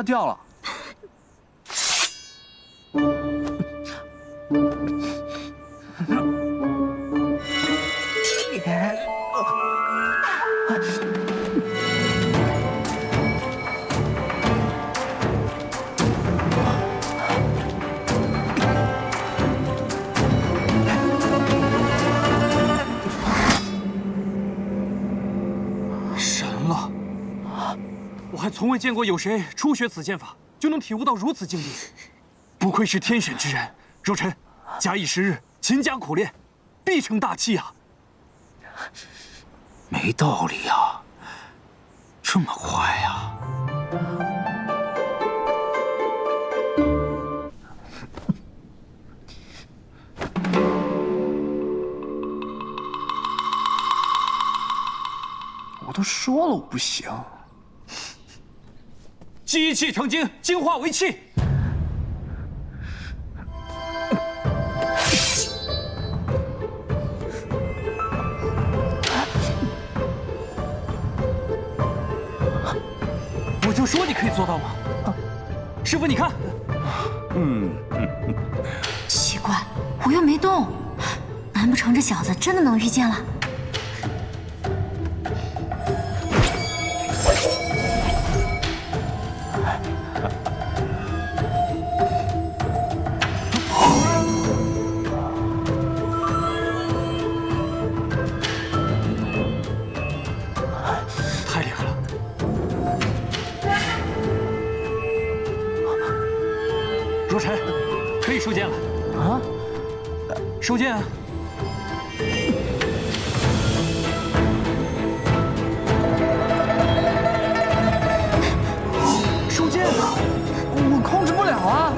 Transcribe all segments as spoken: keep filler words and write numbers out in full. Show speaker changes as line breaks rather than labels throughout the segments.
它掉了。
神了！我还从未见过有谁初学此剑法就能体悟到如此境地，不愧是天选之人。若尘，假以时日，勤加苦练，必成大器啊！
没道理呀，这么快呀！
我都说了我不行。
机气成精，精化为气。我就说你可以做到吗？师傅，你看。
嗯，
奇怪，我又没动，难不成这小子真的能御剑了？
太厉害了！若尘，可以收剑了。
啊？
收剑啊！收剑啊！
我控制不了啊！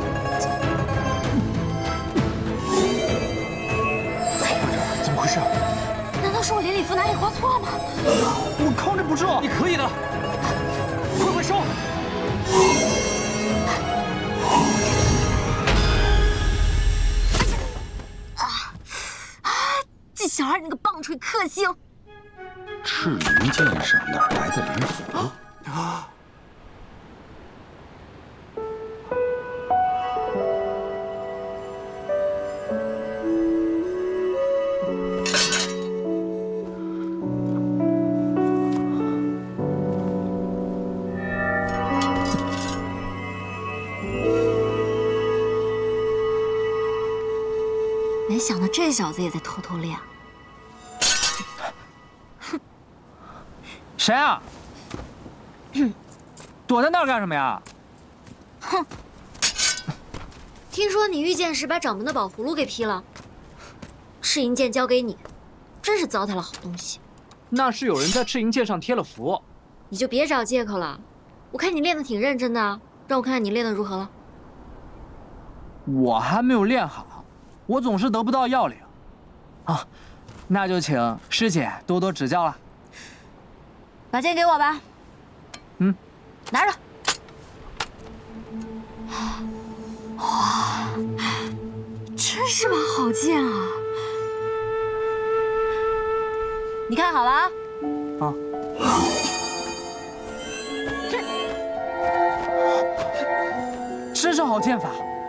怎么回事？
难道是我连礼服哪里画错了吗？
我控制不住。
你可以的，快快收！
这小孩，你个棒槌克星！
赤灵剑上哪来的灵符？
啊！
没想到这小子也在偷偷练。
谁啊？躲在那儿干什么呀？
哼！听说你御剑时把掌门的宝葫芦给劈了，赤银剑交给你，真是糟蹋了好东西。
那是有人在赤银剑上贴了符。
你就别找借口了，我看你练得挺认真的，让我看看你练得如何了。
我还没有练好，我总是得不到要领。啊，那就请师姐多多指教了。
把剑给我吧。
嗯，
拿着。哇，真是把好剑啊！你看好了啊。
啊。真是好剑法。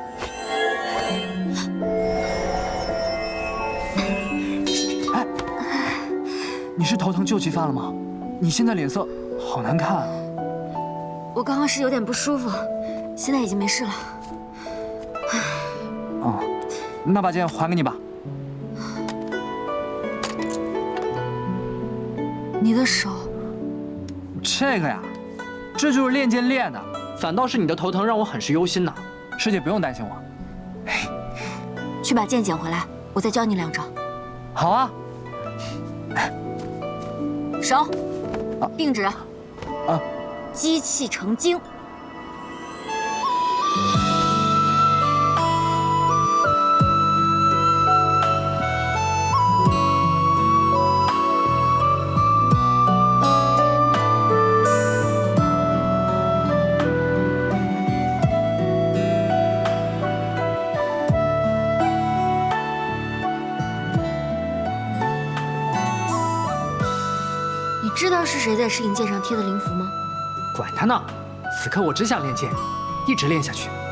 哎，你是头疼旧疾犯了吗？你现在脸色好难看啊！
我刚刚是有点不舒服，现在已经没事了。
哦，那把剑还给你吧。
你的手，
这个呀，这就是练剑练的，反倒是你的头疼让我很是忧心呢。师姐不用担心我。
去把剑捡回来，我再教你两招。
好啊。
手。并指，啊，机气成精。知道是谁在赤银剑上贴的灵符吗？
管他呢， 此刻我只想练剑，一直练下去。